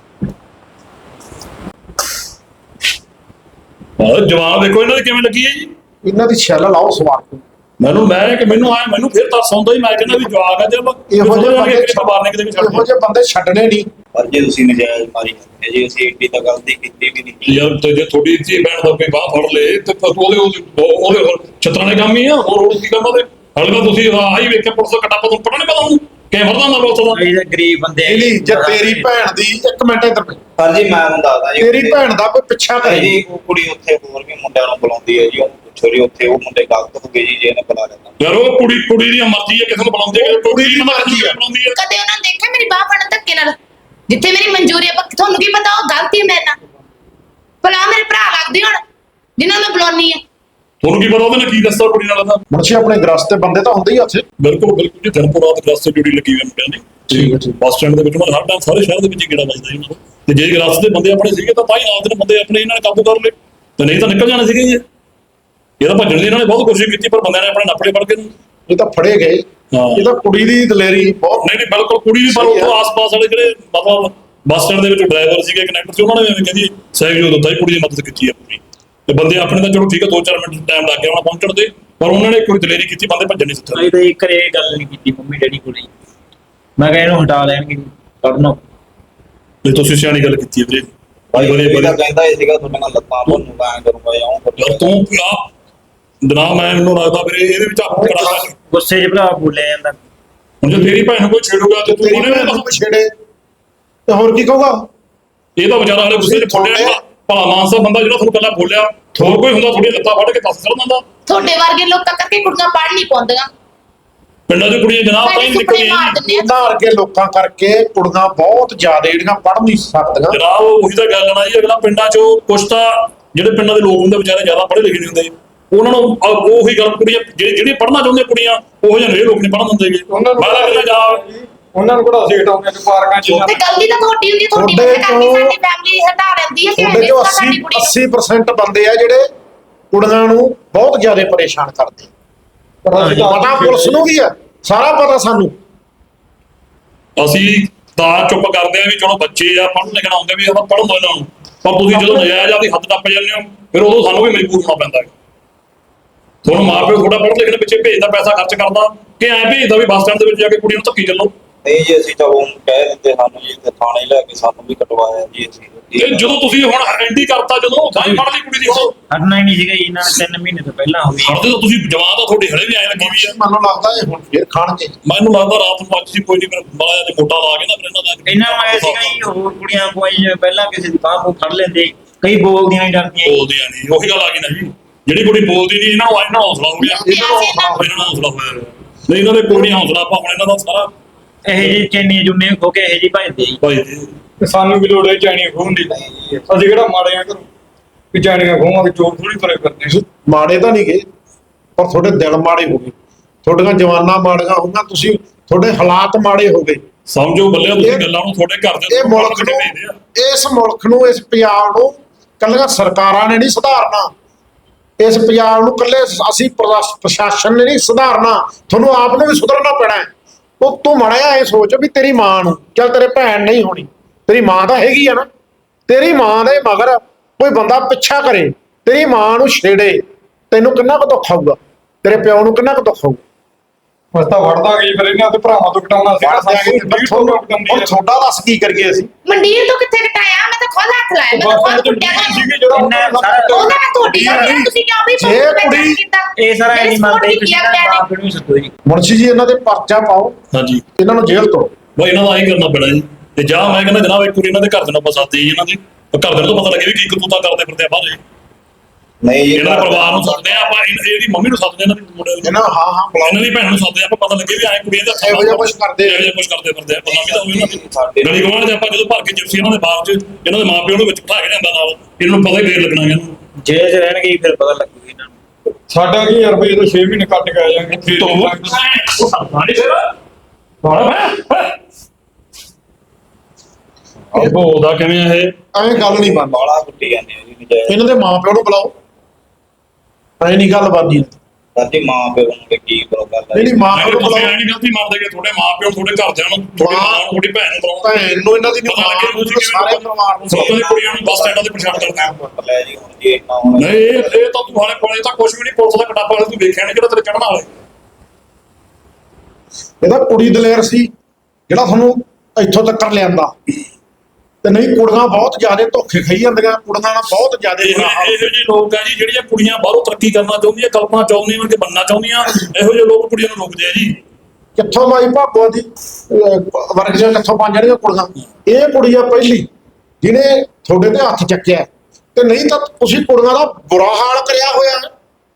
ਉਹ ਜਵਾਬ ਦੇਖੋ ਇਹਨਾਂ ਦੀ ਕਿਵੇਂ ਲੱਗੀ ਹੈ ਜੀ। ਇਹਨਾਂ ਦੀ ਛੱਲ ਲਾਓ ਸਵਾਰ ਨੂੰ। ਮੈਨੂੰ ਮੈਂ ਕਿ ਮੈਨੂੰ ਆਇਆ ਮੈਨੂੰ ਫਿਰ ਤਰਸ ਆਉਂਦਾ ਹੀ, ਮੈਂ ਕਹਿੰਦਾ ਵੀ ਜਵਾਬ ਹੈ ਜਦ ਇਹੋ ਜਿਹੇ ਬੰਦੇ ਮਾਰਨੇ ਕਿਤੇ ਵੀ ਛੱਡ ਇਹੋ ਜਿਹੇ ਬੰਦੇ ਛੱਡਣੇ ਨਹੀਂ। ਪਰ ਜੇ ਤੁਸੀਂ ਨਜਾਇਜ਼ ਮਾਰੀ ਜਾਂਦੇ ਜੀ, ਅਸੀਂ ਏਡੀ ਤਾਂ ਗਲਤੀ ਕੀਤੀ ਵੀ ਨਹੀਂ। ਯਾਰ ਤੇ ਜੇ ਥੋੜੀ ਧੀ ਭੈਣ ਦਾ ਕੋਈ ਬਾਹ ਫੜ ਲੇ ਤੇ ਫਿਰ ਉਹਦੇ ਉਹਦੇ ਉਹਦੇ ਹੋਰ ਛਤਰਾਂ ਦੇ ਕੰਮ ਹੀ ਆ, ਹੋਰ ਹੋਰ ਕੀ ਕੰਮ ਉਹਦੇ। ਹਾਲੇ ਤਾਂ ਤੁਸੀਂ ਆਹੀ ਵੇਖਿਆ ਪੁਲਿਸ ਦਾ ਕੱਟਾ ਪਾ ਪਤਾ ਨਹੀਂ ਪਤਾ ਉਹਨੂੰ ਕਿਵੇਂ ਫੜਦਾ ਹੁੰਦਾ ਪੁਲਿਸ ਦਾ। ਇਹ ਗਰੀਬ ਬੰਦੇ ਨਹੀਂ ਨਹੀਂ, ਜੇ ਤੇਰੀ ਭੈਣ ਦੀ ਇੱਕ ਮਿੰਟ ਇੱਧਰ ਪਈ, ਪਰ ਜੀ ਮੈਂ ਤੁਹਾਨੂੰ ਦੱਸਦਾ ਜੀ, ਤੇਰੀ ਭੈਣ ਦਾ ਕੋਈ ਪਿੱਛਾ ਕਰੇ ਜੀ ਉਹ ਕੁੜੀ ਉੱਥੇ ਹੋਰ ਵੀ ਮੁੰਡਿਆਂ ਨੂੰ ਬੁਲਾਉਂਦੀ ਹੈ ਜੀ, ਉਹਨੂੰ ਪੁੱਛੋ ਜੀ ਉੱਥੇ ਉਹ ਮੁੰਡੇ ਗਲਤ ਹੋ ਗਏ ਜੀ ਜੇ ਇਹਨੇ ਬੁਲਾ ਲੈਂਦਾ। ਯਾਰ ਉਹ ਕੁੜੀ ਕੁੜੀ ਦੀ ਮਰਜ਼ੀ ਹੈ, ਕਿਸੇ ਨੂੰ ਬੁਲਾਉਂਦੀ ਹੈ, ਕੁੜੀ ਦੀ ਮਰਜ਼ੀ ਹੈ ਬੁਲਾਉਂਦੀ ਹੈ। ਕਦੇ ਉਹਨਾਂ ਨੇ ਦੇਖਿਆ ਮੇਰੀ ਬਾਹ ਫੜਨ ਧੱਕੇ ਨਾਲ? ਜਿੱਥੇ ਮੇਰੀ ਮਨਜ਼ੂਰੀ ਹੈ, ਪਰ ਤੁਹਾਨੂੰ ਕੀ ਪਤਾ ਉਹ ਗਲਤੀ ਹੈ ਮੇਰੇ ਨਾਲ? ਭਲਾ ਮੇਰੇ ਭਰਾ ਲੱਗਦੇ ਹੁਣ ਜਿਨ੍ਹਾਂ ਨੂੰ ਬੁਲਾਉਣੀ ਹੈ। ਤੁਹਾਨੂੰ ਕੀ ਪਤਾ ਉਹਦੇ ਨਾਲ ਕੀ ਦੱਸਦਾ ਕੁੜੀ ਨਾਲ ਦਾ। ਮੁਨਸ਼ੀ ਆਪਣੇ ਗ੍ਰਸਤ ਤੇ ਬੰਦੇ ਤਾਂ ਹੁੰਦੇ ਹੀ ਆ ਉੱਥੇ। ਬਿਲਕੁਲ ਬਿਲਕੁਲ ਜੀ, ਦਿਨ ਰਾਤ ਗ੍ਰਸਤ ਤੇ ਜੁੜੀ ਲੱਗੀ ਹੋਈ ਮੁੰਡਿਆਂ ਦੀ। ਠੀਕ ਹੈ, ਠੀਕ। ਬੱਸ ਸਟੈਂਡ ਦੇ ਵਿੱਚ ਉਹਨਾਂ ਹਰ ਟਾਈਮ ਸਾਰੇ ਸ਼ਹਿਰ ਦੇ ਵਿੱਚ ਗੇੜਾ ਵੱਜਦਾ ਇਹਨਾਂ ਦਾ। ਤੇ ਜੇ ਗ੍ਰਸਤ ਦੇ ਬੰਦੇ ਆਪਣੇ ਸੀਗੇ ਤਾਂ ਤਾਂ ਹੀ ਨਾਲ ਦੇ ਬੰਦੇ ਆਪਣੇ ਇਹਨਾਂ ਨੇ ਕਾਬੂ ਕਰ ਲਏ, ਤੇ ਨਹੀਂ ਤਾਂ ਨਿਕਲ ਜਾਣੇ ਸੀਗੇ ਜੀ। ਇਹ ਤਾਂ ਭੱਜਣ ਦੀ ਇਹਨਾਂ ਨੇ ਬਹੁਤ ਕੋਸ਼ਿਸ਼ ਕੀਤੀ, ਪਰ ਬੰਦਿਆਂ ਨੇ ਆਪਣੇ ਨੱਪੜੇ ਫੜ ਕੇ ਨੂੰ। ਇਹ ਤਾਂ ਫੜੇ ਗਏ। ਹਾਂ। ਇਹ ਤਾਂ ਕੁੜੀ ਦੀ ਦਲੇਰੀ ਬਹੁਤ। ਨਹੀਂ ਨਹੀਂ ਬਿਲਕੁਲ ਕੁੜੀ ਵੀ, ਪਰ ਸਹੀ ਹੈ। ਉੱਥੋਂ ਆਸ-ਪਾਸ ਵਾਲੇ ਜਿਹੜੇ ਮਤਲਬ ਬੱਸ ਸਟੈਂਡ ਦੇ ਵਿੱਚ ਡਰਾਈਵਰ ਸੀਗੇ, ਕੰਡਕਟਰ ਸੀ, ਉਹਨਾਂ ਨੇ ਵੀ ਐਵੇਂ ਕਹਿੰਦੀ ਸਹਿਯੋਗ ਦਿੱਤਾ ਜੀ, ਕੁੜੀ ਦੀ ਮਦਦ ਕੀਤੀ ਆਪਣੀ। ਤੇ ਬੰਦੇ ਆਪਣੇ ਤਾਂ ਚਲੋ ਠੀਕ ਹੈ, ਦੋ ਚਾਰ ਮਿੰਟ ਟਾਈਮ ਲੱਗ ਗਿਆ ਉਹਨਾਂ ਪਹੁੰਚਣ ਦੇ, ਪਰ ਉਹਨਾਂ ਨੇ ਕੋਈ ਦਲੇਰੀ ਕੀਤੀ, ਬੰਦੇ ਭੱਜਣ ਨਹੀਂ ਦਿੱਤੇ। ਅਸੀਂ ਤਾਂ ਇੱਕ ਰੇ ਗੱਲ ਨਹੀਂ ਕੀਤੀ ਮੰਮੀ ਡੈਡੀ ਕੋਲ। ਮੈਂ ਕਿਹਾ ਇਹਨੂੰ ਹਟਾ ਲੈਣਗੇ ਕੱਢਣਾ। ਤੇ ਤੁਸੀਂ ਸਿਆਣੀ ਗੱਲ ਕੀਤੀ ਹੈ ਵੀਰੇ। ਭਾਈ ਬੜੇ ਇਹ ਤਾਂ ਬੜੇ ਕਹਿੰਦਾ ਹੀ ਸੀਗਾ ਤੁਹਾਡੀਆਂ ਲੱਤਾਂ ਤੁਹਾਨੂੰ ਮੈਂ ਕਰੂੰਗਾ ਜਾਂ ਉਹ ਯਾਰ ਤੂੰ ਆ ਦਨਾ ਮੈਂ ਮੈਨੂੰ ਲੱਗਦਾ ਵੀਰੇ ਇਹਦੇ ਵਿੱਚ ਆਪਾਂ ਕਰਾ ਗੁੱਸੇ 'ਚ ਭਰਾ ਬੋਲਿਆ ਜਾਂਦਾ। ਹੁਣ ਜੇ ਤੇਰੀ ਭੈਣ ਨੂੰ ਕੋਈ ਛੇੜੂਗਾ ਤੇ ਤੂੰ ਤੇਰੀ ਉਹਨੇ ਭੈਣ ਨੂੰ ਕੋਈ ਛੇੜੇ ਤੇ ਹੋਰ ਕੀ ਕਹੂਗਾ? ਇਹ ਤਾਂ ਵਿਚਾਰਾ ਹਲੇ ਗੁੱਸੇ 'ਚ ਫੋੜਿਆ ਭਲਾ ਮਾਨਸਾ ਬੰਦਾ ਜਿਹੜਾ ਤੁਹਾਨੂੰ ਕੱਲਾ ਬੋਲਿਆ, ਹੋਰ ਕੋਈ ਹੁੰਦਾ ਥੋੜੀ ਲੱਤਾਂ ਫੜ ਕੇ ਦੱਸ ਕਰ ਦਿੰਦਾ। ਤੁਹਾਡੇ ਵਰਗੇ ਲੋਕਾਂ ਕਰਕੇ ਕੁੜੀਆਂ ਪੜ੍ਹ ਨਹੀਂ ਪਾਉਂਦੀਆਂ। ਪਿੰਡਾਂ 'ਚ ਕੁੜੀਆਂ ਜਨਾਬ ਤਾਂ ਹੀ ਸਾਡੇ ਸੁਪਨੇ ਨਿਕਲੀਆਂ ਮਾਰ ਦਿੰਦੇ ਆ। ਇਹਨਾਂ ਵਰਗੇ ਲੋਕਾਂ ਕਰਕੇ ਕੁੜੀਆਂ ਬਹੁਤ ਜ਼ਿਆਦਾ ਜਿਹੜੀਆਂ ਪੜ੍ਹ ਨਹੀਂ ਸਕਦੀਆਂ। ਜਨਾਬ ਉਹੀ ਤਾਂ ਗੱਲ ਨਾ ਜੀ, ਅਗਲਾ ਪਿੰਡਾਂ 'ਚੋਂ ਕੁਛ ਤਾਂ ਜਿਹੜੇ ਪਿੰਡਾਂ ਦੇ ਲੋਕ ਹੁੰਦੇ ਵਿਚਾਰੇ ਜ਼ਿਆਦਾ ਪੜ੍ਹੇ ਲਿਖੇ ਨਹੀਂ ਹੁੰਦੇ, ਉਹਨਾਂ ਨੂੰ ਅਹ ਉਹੀ ਗੱਲ ਕੁੜੀਆਂ ਜਿਹੜੀ ਜਿਹੜੀਆਂ ਪੜ੍ਹਨਾ ਚਾਹੁੰਦੀਆਂ ਕੁੜੀਆਂ ਉਹ ਜਿਹੇ ਲੋਕ ਨਹੀਂ ਪੜ੍ਹਨ ਦਿੰਦੇ। ਉਹਨਾਂ ਨੂੰ ਮੈਂ ਤਾਂ ਕਹਿੰਦਾ ਜਾ ਉਹਨਾਂ ਨੂੰ ਕਿਹੜਾ ਅਸੀਂ ਹਟਾਉਂਦੇ ਕਿ ਪਾਰਕਾਂ 'ਚ ਤੇ ਗਲਤੀ ਤਾਂ ਤੁਹਾਡੀ ਹੁੰਦੀ ਹੈ, ਤੁਹਾਡੀ ਤੁਹਾਡੇ ਵਜ੍ਹਾ ਕਰਕੇ ਤੋਂ- ਸਾਡੀ ਫੈਮਿਲੀ ਹਟਾ ਲੈਂਦੀ ਹੈ ਕਿ ਤੁਹਾਡੇ ਐਵੇਂ ਜੋ ਸਾਡੀ ਅੱਸੀ ਕੁੜੀ ਨੂੰ। ਅੱਸੀ percent ਬੰਦੇ ਆ ਜਿਹੜੇ ਕੁੜੀਆਂ ਨੂੰ ਬਹੁਤ ਜ਼ਿਆਦਾ ਪਰੇਸ਼ਾਨ ਕਰਦੇ। ਪਰ ਅਸੀਂ ਤਾਂ ਪਤਾ ਪੁਲਿਸ ਨੂੰ ਵੀ ਆ, ਸਾਰਾ ਪਤਾ ਸਾਨੂੰ। ਅਸੀਂ ਤਾਂ ਚੁੱਪ ਕਰਦੇ ਆ ਵੀ ਚਲੋ ਬੱਚੇ ਆ ਪੜ੍ਹਨ ਲਿਖਣ ਆਉਂਦੇ ਵੀ ਆਪਾਂ ਪੜ੍ਹਨ ਦੋ ਇਹਨਾਂ ਨੂੰ, ਪਰ ਤੁਸੀਂ ਜਦੋਂ ਨਜਾਇਜ਼ ਆਪਦੀ ਹੱਦ ਟੱਪ ਜਾਂਦੇ ਹੋ ਫਿਰ ਉਦੋਂ ਸਾਨੂੰ ਵੀ ਮਜਬੂਰ ਹੋਣਾ ਪੈਂਦਾ ਹੈ। ਤੁਹਾਨੂੰ ਮਾਂ ਪਿਓ ਥੋੜਾ ਪੜ੍ਹਨ ਲਿਖਣ ਪਿੱਛੇ ਭੇਜਦਾ, ਪੈਸਾ ਖਰਚ ਕਰਦਾ ਕਿ ਐਂ ਭੇਜਦਾ ਵੀ ਬੱਸ ਸਟੈਂਡ ਦੇ ਵਿੱਚ ਜਾ ਕੇ ਕੁੜੀ ਨੂੰ ਧੱਕੀ ਚੱਲੋ। ਨਹੀਂ ਜੀ ਅਸੀਂ ਤਾਂ ਉਹ ਕਹਿ ਦਿੰਦੇ ਸਾਨੂੰ ਜੀ ਤੇ ਥਾਣੇ ਲੈ ਕੇ ਸਾਨੂੰ ਵੀ ਕਟਵਾਇਆ ਜੀ ਅਸੀਂ। ਤੇ ਜਦੋਂ ਤੁਸੀਂ ਹੁਣ ਐਂਟੀ ਕਰਤਾ, ਜਦੋਂ ਤਾਂ ਹੀ ਪੜ੍ਹਦੀ ਕੁੜੀ ਦੀ ਹੁਣ ਹਟਣਾ ਹੀ ਨਹੀਂ ਸੀਗਾ ਜੀ, ਇਹਨਾਂ ਨੇ ਤਿੰਨ ਮਹੀਨੇ ਤੋਂ ਪਹਿਲਾਂ ਹੋ ਗਈ। ਹੜਦੇ ਤਾਂ ਤੁਸੀਂ ਜਵਾਨ ਤਾਂ ਤੁਹਾਡੇ ਹਲੇ ਵੀ ਆਏ ਲੱਗੀ ਵੀ ਆ। ਮੈਨੂੰ ਲੱਗਦਾ ਇਹ ਹੁਣ ਫੇਰ ਖਾਣਗੇ। ਮੈਨੂੰ ਲੱਗਦਾ ਰਾਤ ਨੂੰ ਅੱਜ ਸੀ ਕੋਈ ਨਹੀਂ, ਫਿਰ ਮਾਇਆ ਤੇ ਮੋਟਾ ਲਾ ਕੇ ਨਾ ਫਿਰ ਇਹਨਾਂ ਦਾ ਇਹਨਾਂ ਨੂੰ ਆਇਆ ਸੀਗਾ ਜੀ ਹੋਰ ਕੁੜੀਆਂ ਕੋਈ ਜਿਵੇਂ ਪਹਿਲਾਂ ਕਿਸੇ ਦੀ ਬਾਹ ਫੜ ਲੈਂਦੇ, ਕਈ ਬੋਲਦੀਆਂ ਨਹੀਂ ਡਰਦੀਆਂ ਜੀ। ਬੋਲਦੀਆਂ ਨਹੀਂ, ਉਹੀ ਗੱਲ ਆ ਗਈ ਨਾ ਜੀ, ਜਿਹੜੀ ਕੁੜੀ ਬੋਲਦੀ ਨਹੀਂ ਇਹਨਾਂ ਨੂੰ ਇਹਨਾਂ ਨੂੰ ਹੌਸਲਾ ਹੋ ਗਿਆ, ਇਹਨਾਂ ਨੂੰ ਹੌਸਲਾ ਇਹਨਾਂ ਨੂੰ ਹੌਸਲਾ ਹੋਇਆ। ਨਹੀਂ ਇਹਨਾਂ ਦੇ ਕੋਈ ਨਹੀਂ ਹੌਸਲਾ, ਆਪਾਂ ਹੁਣ ਇਹਨਾਂ ਦਾ ਸਾਰਾ ਇਹੋ ਜਿਹੀ ਚੈਨੀਆਂ ਜੁੰਨੇ ਖੋ ਕੇ ਇਹੋ ਜਿਹੀ ਭਜਦੇ ਜੀ। ਭਾਈ ਜੀ ਤੇ ਸਾਨੂੰ ਵੀ ਲੋੜ ਹੈ ਚਾਈਨੀਆਂ ਖੋਹਣ ਦੀ। ਅਸੀਂ ਕਿਹੜਾ ਮਾੜੇ ਆ ਘਰੋਂ ਵੀ ਚਾਈਨੀਆਂ ਖੋਹਾਂਗੇ, ਚੋਰ ਥੋੜੀ ਤੁਰੇ ਫਿਰਦੇ। ਮਾੜੇ ਤਾਂ ਨਹੀਂ ਗਏ, ਪਰ ਤੁਹਾਡੇ ਦਿਲ ਮਾੜੇ ਹੋ ਗਏ, ਤੁਹਾਡੀਆਂ ਜਵਾਨਾਂ ਮਾੜੀਆਂ ਹੋਈਆਂ, ਤੁਸੀਂ ਤੁਹਾਡੇ ਹਾਲਾਤ ਮਾੜੇ ਹੋ ਗਏ। ਸਮਝੋ ਬੱਲੇ ਤੁਸੀਂ ਇਹ- ਗੱਲਾਂ ਨੂੰ ਤੁਹਾਡੇ ਘਰ ਦੇ ਇਹ ਮੁਲਕ ਨੂੰ, ਭੇਜਦੇ ਆ। ਇਸ ਮੁਲਕ ਨੂੰ, ਇਸ ਪੰਜਾਬ ਨੂੰ ਕੱਲੀਆਂ ਸਰਕਾਰਾਂ ਨੇ ਨਹੀਂ ਸੁਧਾਰਨਾ। ਇਸ ਪੰਜਾਬ ਨੂੰ ਕੱਲੇ ਅਸੀਂ ਪ੍ਰਸ਼ਾ- ਪ੍ਰਸ਼ਾਸਨ ਨੇ ਨਹੀਂ ਸੁਧਾਰਨਾ, ਤੁਹਾਨੂੰ ਆਪ ਨੂੰ ਵੀ ਸੁਧਰਨਾ ਪੈਣਾ ਹੈ। ਉਹ ਤੂੰ ਮੜਿਆ ਇਹ ਸੋਚ ਵੀ ਤੇਰੀ ਮਾਂ ਨੂੰ, ਚੱਲ ਤੇਰੇ ਭੈਣ ਨਹੀਂ ਹੋਣੀ, ਤੇਰੀ ਮਾਂ ਤਾਂ ਹੈਗੀ ਆ ਨਾ, ਤੇਰੀ ਮਾਂ ਦੇ ਮਗਰ ਕੋਈ ਬੰਦਾ ਪਿੱਛਾ ਕਰੇ, ਤੇਰੀ ਮਾਂ ਨੂੰ ਛੇੜੇ, ਤੈਨੂੰ ਕਿੰਨਾ ਕੁ ਦੁੱਖ ਆਊਗਾ, ਤੇਰੇ ਪਿਓ ਨੂੰ ਕਿੰਨਾ ਕੁ ਦੁੱਖ ਆਊਗਾ। ਬਸ ਤਾਂ ਵੜਦਾ ਗਈ ਫਿਰ ਇਹਨਾਂ ਤੇ ਭਰਾਵਾਂ ਤੋਂ ਕਟਾਉਣਾ ਸੀ। ਵੜ ਦਿਆਂਗੇ ਤੇ ਫਿਰ ਤੁਹਾਨੂੰ ਹੁਣ ਛੋਟਾ ਦੱਸ ਕੀ ਕਰੀਏ ਅਸੀਂ। ਮੰਡੀਰ ਤੋਂ ਕਿੱਥੇ ਕਟਾਇਆ? ਮੈਂ ਤਾਂ ਖੁਦ ਹੱਥ ਲਾਇਆ, ਮੈਂ ਤਾਂ ਖੁਦ ਕੁੱਟਿਆ ਗਿਆ। ਇੰਨਾ ਸਾਰਾ ਉਹਦਾ ਮੈਂ ਤੁਹਾਡੀ ਗੱਲ ਨਹੀਂ, ਤੁਸੀਂ ਕਿਉਂ ਵੀ ਜੇ ਕੁੜੀ- ਕੀਤਾ? ਇਹ ਸਾਰਾ ਮੇਰੀ ਨਹੀਂ ਮੰਨਦੇ, support ਤੁਸੀਂ ਕੀਤੀ ਆ ਤਾਂ ਬਾਪ ਨੂੰ ਸੱਦੋ ਜੀ। ਮੁਨਸ਼ੀ ਜੀ ਇਹਨਾਂ ਦੇ ਪਰਚਾ ਪਾਓ, ਹਾਂਜੀ ਇਹਨਾਂ ਨੂੰ ਜੇਲ੍ਹ ਤੋਂ। ਬਈ ਇਹਨਾਂ ਦਾ ਆਹੀ ਕਰਨਾ ਪੈਣਾ ਜੀ। ਤੇ ਜਾਂ ਮੈਂ ਕਹਿੰਦਾ ਜਨਾਬ ਇੱਕ ਵਾਰੀ ਇਹਨਾਂ ਦੇ ਘਰ ਦੇ ਨੂੰ ਆਪਾਂ ਸੱਦੇ ਜੀ, ਇਹਨਾਂ ਦੇ ਘਰ ਦੇ ਨੂੰ ਤਾਂ ਪਤਾ ਲੱਗੇ ਵੀ ਕੀ ਕਰਤੂਤਾਂ ਕਰਦੇ ਫਿਰਦੇ ਆ ਬਾਹਰ। ਨਹੀਂ ਜੀ ਇਹਨਾਂ ਦੇ ਪਰਿਵਾਰ ਨੂੰ ਸੱਦਦੇ ਆ ਆਪਾਂ, ਇਹਨਾਂ- ਇਹਦੀ ਮੰਮੀ ਨੂੰ ਸੱਦਦੇ ਇਹਨਾਂ ਦੀ ਮੁੰਡੇ ਨੂੰ, ਇਹਨਾਂ ਹਾਂ ਹਾਂ ਬੁਲਾਓ, ਇਹਨਾਂ ਦੀ ਭੈਣ ਨੂੰ ਸੱਦਦੇ ਆ ਆਪਾਂ, ਪਤਾ ਲੱਗੇ ਵੀ ਐ ਕੁੜੀਆਂ ਦੇ ਇਹੋ ਜਿਹਾ ਕੁਛ ਕਰਦੇ ਆ। ਇਹੋ ਜਿਹਾ ਕੁਛ ਕਰਦੇ ਫਿਰਦੇ ਆ, ਬਦਨਾਮੀ ਤਾਂ ਹੋਈ ਇਹਨਾਂ ਦੀ। ਸਾਡੇ ਗਲੀ ਗਵਾਂਢ ਦੇ ਆਪਾਂ ਜਦੋਂ ਭਰ ਕੇ ਜਿਪਸੀ ਇਹਨਾਂ ਦੇ ਬਾਹਰ ਚ ਇਹਨਾਂ ਦੇ ਮਾਪਿਓ ਨੂੰ ਵਿੱਚ ਬਿਠਾ ਕੇ ਲਿਆਂਦਾ ਨਾਲ, ਇਹਨਾਂ ਨੂੰ ਪਤਾ ਹੀ ਫੇਰ ਲੱਗਣਾ ਇਹਨਾਂ ਨੂੰ। ਜੇਲ੍ਹ 'ਚ ਰਹਿਣਗੇ ਜੀ, ਫਿਰ ਪਤਾ ਲੱਗੂਗਾ ਇਹਨਾਂ ਨੂੰ। ਸਾਡਾ ਕੀ ਯਾਰ ਬਈ ਇਹ ਤਾਂ ਛੇ ਮਹੀਨੇ ਕੱਟ ਕੇ ਆ ਜਾਣਗੇ ਫਿਰ ਤੂੰ ਉਹ ਸਾਡਾ ਨਹੀਂ ਫੇਰ ਬਾੜਾ ਮੈਂ ਉਹ ਉਹਦਾ ਕਿਵੇਂ ਆ ਇਹ ਐਂ ਗੱਲ ਨਹੀਂ ਬਣਦੀ। ਬਾਲਾ ਕੁੱਟੀ ਜਾਂਦੇ ਆ ਜੀ ਨਜਾਇਜ਼। ਇਹਨਾਂ ਦੇ ਮਾਂ ਪਿਓ ਨੂੰ ਬੁਲਾਓ, ਐ ਨਹੀਂ ਗੱਲ ਬਣਦੀ। ਸਾਡੀ ਮਾਂ ਪਿਓ ਨੂੰ ਵੀ ਕੀ ਕਰੋ ਗੱਲ ਨਹੀਂ ਨਹੀਂ ਮਾਂ ਪਿਓ ਨਹੀਂ, ਨੂੰ ਤੁਸੀਂ ਬੁਲਾਓ, ਐ ਨਹੀਂ ਗਲਤੀ ਮੰਨਦੇ ਕਿ ਤੁਹਾਡੇ ਮਾਂ ਪਿਓ ਤੁਹਾਡੇ ਘਰਦਿਆਂ ਨੂੰ ਤੁਹਾਡੀ ਮਾਂ- ਮਾਂ ਨੂੰ ਤੁਹਾਡੀ ਭੈਣ ਨੂੰ ਬੁਲਾਉਂਦਾ ਭੈਣ ਨੂੰ ਇਹਨਾਂ ਦੀ ਨਹੀਂ, ਮਾਂ ਨੂੰ ਤੇ ਸਾਰੇ ਪਰਿਵਾਰ ਨੂੰ ਸਭ ਤੋਂ ਕੁੜੀਆਂ ਨੂੰ ਬੱਸ ਸਟੈਂਡਾਂ ਤੇ ਪਛਾਣ ਕਰਦੇ ਆ। ਪੁੱਟ ਲੈ ਜੀ ਹੁਣ ਜੀ ਇੰਨਾ ਹੁਣ ਨਹੀਂ ਇਹ ਇਹ ਤਾਂ ਤੂੰ ਹਾਲੇ ਕੋਲੇ ਤਾਂ ਕੁਝ ਵੀ ਨਹੀਂ, ਪੁਲਿਸ ਦਾ ਕਟਾਪਾ ਤੂੰ ਵੇਖਿਆ ਨਹੀਂ ਜਿਹੜਾ ਤੇਰੇ ਚੜ੍ਹਨ ਵਾਲੇ। ਇਹਦਾ ਕੁੜੀ ਦਲੇਰ ਸੀ ਜਿਹੜਾ ਤੁਹਾਨੂੰ ਇੱਥੋਂ ਤੱਕ ਲਿਆਂਦਾ, ਤੇ ਨਹੀਂ ਕੁੜੀਆਂ ਬਹੁਤ ਜ਼ਿਆਦਾ ਧੋਖੇ ਖਾਈ ਜਾਂਦੀਆਂ, ਕੁੜੀਆਂ ਨਾਲ ਬਹੁਤ ਜ਼ਿਆਦਾ ਇਹੋ ਬੁਰਾ ਹਾਲ। ਜਿਹੇ ਇਹੋ ਜਿਹੇ ਲੋਕ ਆ ਜੀ ਜਿਹੜੀਆਂ ਕੁੜੀਆਂ ਬਾਹਰੋਂ ਤਰੱਕੀ ਕਰਨਾ ਚਾਹੁੰਦੀਆਂ, ਕਲਪਨਾ ਚਾਹੁੰਦੀਆਂ ਕਿ ਬੰਨਾ ਚਾਹੁੰਦੀਆਂ, ਇਹੋ ਜਿਹੇ ਲੋਕ ਕੁੜੀਆਂ ਨੂੰ ਰੋਕਦੇ ਆ ਜੀ। ਕਿੱਥੋਂ ਮਾਈ ਭਾਗੋ ਦੀ ਅਹ, ਵਰਗੀਆਂ ਕਿੱਥੋਂ ਬਣ ਜਾਣੀਆਂ ਕੁੜੀਆਂ। ਇਹ ਕੁੜੀ ਆ ਪਹਿਲੀ ਜਿਹਨੇ ਤੁਹਾਡੇ ਤੇ ਹੱਥ ਚੱਕਿਆ, ਤੇ ਨਹੀਂ ਤਾਂ ਤੁਸੀਂ ਕੁੜੀਆਂ ਦਾ ਬੁਰਾ ਹਾਲ ਕਰਿਆ ਹੋਇਆ ਹੈ।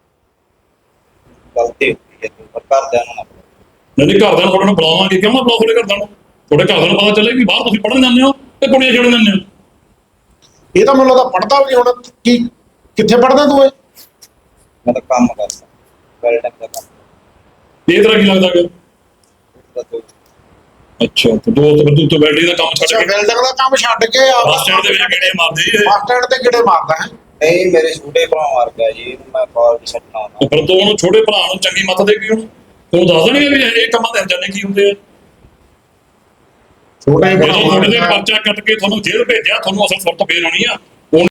ਗਲਤੀ ਹੋਈ ਹੈ ਪਰ ਘਰਦਿਆਂ ਨੂੰ ਨਾ ਨਹੀਂ ਨਹੀਂ ਘਰਦਿਆਂ ਨੂੰ ਤੁਹਾਡੇ ਨੂੰ ਬੁਲਾਵਾਂਗੇ, ਕਿਉਂ ਨਾ ਬੁਲਾਓ ਤੁਹਾਡੇ ਘਰਦਿਆਂ ਨੂੰ? ਤੁਹਾਡੇ ਘਰਦਿਆਂ ਨੂੰ ਪਤਾ ਚੱਲੇ ਵੀ ਬਾਹਰ ਤੁਸੀਂ ਪੜ੍ਹਨ ਜਾਂਦੇ ਹੋ ਤੇ ਕੁੜੀਆਂ ਛੇੜਨ ਜਾਂਦੇ ਹੋ। ਇਹ ਤਾਂ ਮੈਨੂੰ ਲੱਗਦਾ ਪੜਦਾ ਵੀ ਨਹੀਂ ਹੁਣ। ਕੀ ਕਿੱਥੇ ਪੜਦਾ ਤੂੰ ਇਹ? ਮੈਂ ਤਾਂ ਕੰਮ ਕਰਦਾ ਵੈਲਡਿੰਗ ਦਾ ਕੰਮ ਇਹ ਤਰ੍ਹਾਂ ਕੀ ਲੱਗਦਾ ਕਿ ਦੱਸੋ। ਅੱਛਾ ਤੇ ਦੋਸਤ ਫਿਰ ਤੂੰ ਤਾਂ ਵੈਲਡਿੰਗ ਦਾ ਕੰਮ ਛੱਡ ਕੇ ਬਿਲਡਿੰਗ ਦਾ ਕੰਮ ਛੱਡ ਕੇ ਆ ਬੱਸ ਸਟੈਂਡ ਦੇ ਵਿੱਚ ਗੇੜੇ ਮਾਰਦੇ ਜੀ ਇਹ। ਬੱਸ ਸਟੈਂਡ ਤੇ ਕਿਹੜੇ ਮਾਰਦਾ ਹੈ? ਨਹੀਂ ਮੇਰੇ ਛੋਟੇ ਭਰਾ ਮਾਰ ਗਿਆ ਜੀ ਇਹਨੂੰ ਮੈਂ ਕਾਲਜ ਛੱਡਣਾ ਤੇ ਹੁੰਦਾ ਫਿਰ ਤੂੰ ਉਹਨੂੰ ਛੋਟੇ ਭਰਾ ਨੂੰ ਚੰਗੀ ਮੱਤ ਦੇ ਗਈ ਉਹਨੂੰ ਤੂੰ ਦੱਸ ਦੇਣਗੇ ਵੀ ਇਹ ਕੰਮਾਂ ਦੇ ਅੰਜਾਨੇ ਕੀ ਹੁੰਦੇ ਆ। ਛੋਟੇ ਜਦੋਂ ਤੁਹਾਡੇ ਦੇ ਭਰਾ ਪਰਚਾ ਕੱਟ ਕੇ ਤੁਹਾਨੂੰ ਜੇਲ੍ਹ ਭੇਜਿਆ, ਤੁਹਾਨੂੰ ਅਸਲ ਸੁਰਤ ਫੇਰ ਆਉਣੀ ਆ।